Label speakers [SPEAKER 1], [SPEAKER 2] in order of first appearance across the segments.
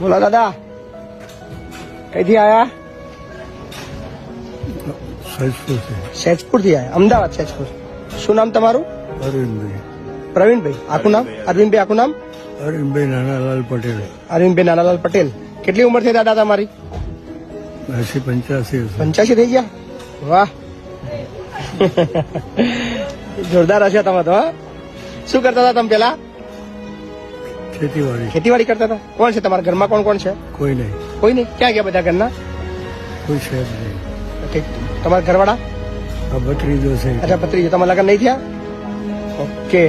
[SPEAKER 1] બોલો દાદા, કઈથી આયા? સૈજપુર થી આયા, અમદાવાદ સૈજપુર. શું નામ તમારું?
[SPEAKER 2] અરવિંદભાઈ.
[SPEAKER 1] પ્રવીણભાઈ. આખું નામ? અરવિંદભાઈ આખું નામ?
[SPEAKER 2] અરવિંદભાઈ નાનાલાલ પટેલ.
[SPEAKER 1] અરવિંદભાઈ નાનાલાલ પટેલ. કેટલી ઉંમર થઈ દાદા તમારી?
[SPEAKER 2] 85.
[SPEAKER 1] 85 થઈ ગયા? વાહ, જોરદાર હશે તમે તો. શું કરતા હતા તમે પેલા?
[SPEAKER 2] ખેતીવાડી.
[SPEAKER 1] ખેતીવાડી કરતા હતા. કોણ છે તમારા ઘરમાં? કોણ કોણ છે?
[SPEAKER 2] કોઈ નહીં.
[SPEAKER 1] કોઈ નહીં. ક્યાં ગયા બધા ઘરના?
[SPEAKER 2] કોઈ છે જ નહીં.
[SPEAKER 1] ઠીક. તમારા ઘરવાળા?
[SPEAKER 2] આ ભત્રીજો છે.
[SPEAKER 1] અચ્છા, ભત્રીજો. તમારા લગ્ન નહીં થયા? ઓકે.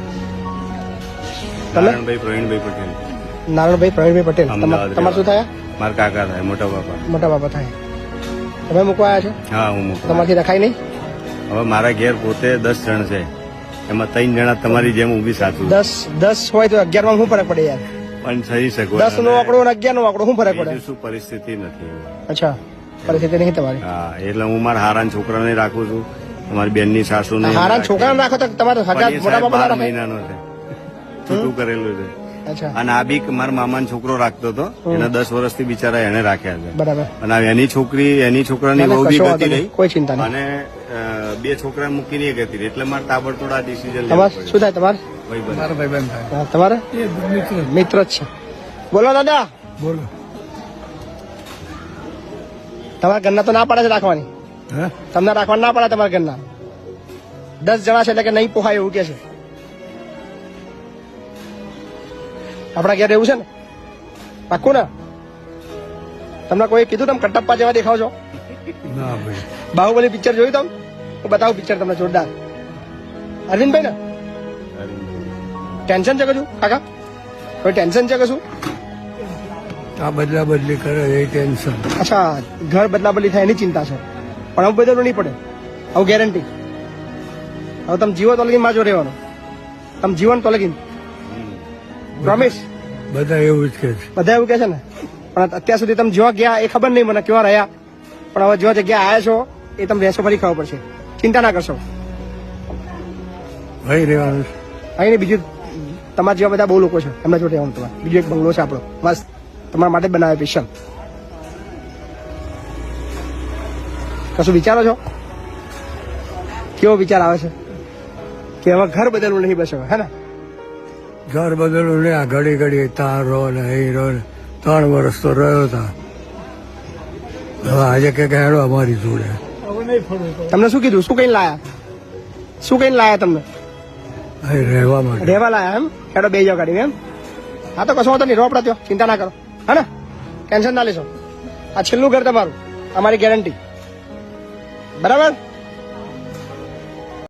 [SPEAKER 1] તમે?
[SPEAKER 3] નારાયણભાઈ પ્રવીણભાઈ પટેલ.
[SPEAKER 1] નારાયણભાઈ પ્રવીણભાઈ પટેલ.
[SPEAKER 3] અમદાવાદ
[SPEAKER 1] તમારે શું થયા?
[SPEAKER 3] મારા કાકા થાય, મોટા બાપા.
[SPEAKER 1] મોટા બાપા થાય. તમે મૂકવા આવ્યા છો?
[SPEAKER 3] હા, હું મૂકું.
[SPEAKER 1] તમારથી રખાય નહીં?
[SPEAKER 3] હવે મારા ઘેર પોતે 10 જણ છે, એમાં 3 જણા તમારી જેમ ઊભી સાચું.
[SPEAKER 1] 10 હોય તો 11 માં શું ફરક પડે યાર?
[SPEAKER 3] પણ થઈ શકો.
[SPEAKER 1] 10 નો આંકડો અને 11 નો આંકડો શું ફરક પડે?
[SPEAKER 3] શું પરિસ્થિતિ નથી.
[SPEAKER 1] અચ્છા, પરિસ્થિતિ નહીં તમારી.
[SPEAKER 3] હા, એટલે હું મારા હારાના છોકરાને રાખું છું, તમારી બેનની સાસુ ને.
[SPEAKER 1] હારા છોકરાને રાખો તો તમારે હગાત મોટા બાપા
[SPEAKER 3] 12 મહિનાનો છે, છૂટું કરેલું છે.
[SPEAKER 1] અચ્છા,
[SPEAKER 3] અને આ બી મારા મામાનો છોકરો રાખતો હતો, એના 10 વર્ષથી બિચારા એને રાખ્યા છે.
[SPEAKER 1] બરાબર.
[SPEAKER 3] અને એની છોકરાની વહુ બી ગતી રહી,
[SPEAKER 1] કોઈ ચિંતા નહીં.
[SPEAKER 3] અને 2 છોકરા મૂકીને એ ગતી રહી. એટલે મારે તાબડતોડ આ ડિસિઝન
[SPEAKER 1] તમારે શું થાય? તમારે?
[SPEAKER 2] મારા ભાઈબંધ થાય.
[SPEAKER 1] હા, તમારે મિત્ર જ છે. બોલો દાદા.
[SPEAKER 2] બોલો.
[SPEAKER 1] તમારા ઘરના તો ના પાડે છે રાખવાની?
[SPEAKER 2] હે?
[SPEAKER 1] તમને રાખવા ના પડે તમારા ઘરના? 10 જણા છે એટલે કે નહીં પોહાય એવું કે છે. આપણા ઘેર એવું છે ને? પાક્કું ને? તમને કોઈ કીધું તમે કટપ્પા જેવા દેખાવ છો?
[SPEAKER 2] ના ભાઈ.
[SPEAKER 1] બાહુબલી પિક્ચર જોયું તમે? હું બતાવું પિક્ચર તમને જોરદાર. અરવિંદભાઈ ને ટેન્શન છે કશું કાકા? કોઈ ટેન્શન છે કશું?
[SPEAKER 2] આ બદલા બદલી કરે એ ટેન્શન.
[SPEAKER 1] અચ્છા, ઘર બદલા બદલી થાય એની ચિંતા છે, પણ હવે બદલવું નહીં પડે. હવે ગેરંટી. હવે તમે જીવો તો લગીન માજો રહેવાનો. તમે જીવન તો લગીન પ્રોમિસ.
[SPEAKER 2] બધા એવું જ કે છે.
[SPEAKER 1] બધા એવું કે છે ને, પણ અત્યાર સુધી તમે જેવા ગયા એ ખબર નહીં મને કેવા રહ્યા, પણ હવે જેવા જગ્યા આવ્યા છો એ તમે રહેશો ફરી ખબર પડશે. ચિંતા ના કરશો.
[SPEAKER 2] ભાઈ રહેવાનું છે.
[SPEAKER 1] અહીં ને બીજું તમારા જેવા બધા બહુ લોકો છે, એમના જોડે રહેવાનું તમારે. બીજો એક બંગલો છે આપણો, બસ તમારા માટે જ બનાવે સ્પેશિયલ. કશું વિચારો છો? કેવો વિચાર આવે છે કે હવે ઘર બદલવું નહીં બસ હવે, હે ને?
[SPEAKER 2] ઘર બદલું ને આ ઘડી ઘડી તાર રહો ને અહીં રહો ને 3 વર્ષ તો રહ્યો હતા. હવે આજે કે હેડો અમારી જોડે.
[SPEAKER 1] તમને શું કીધું? શું કઈ લાયા? શું કઈ લાયા તમને?
[SPEAKER 2] અહીં રહેવા માટે.
[SPEAKER 1] રહેવા લાયા એમ? હેડો બે જાવ ગાડી એમ? હા તો કશો વાંધો નહીં, રોપડા ત્યો, ચિંતા ના કરો, હે ને? ટેન્શન ના લેશો. આ છેલ્લું ઘર તમારું, અમારી ગેરંટી. બરાબર?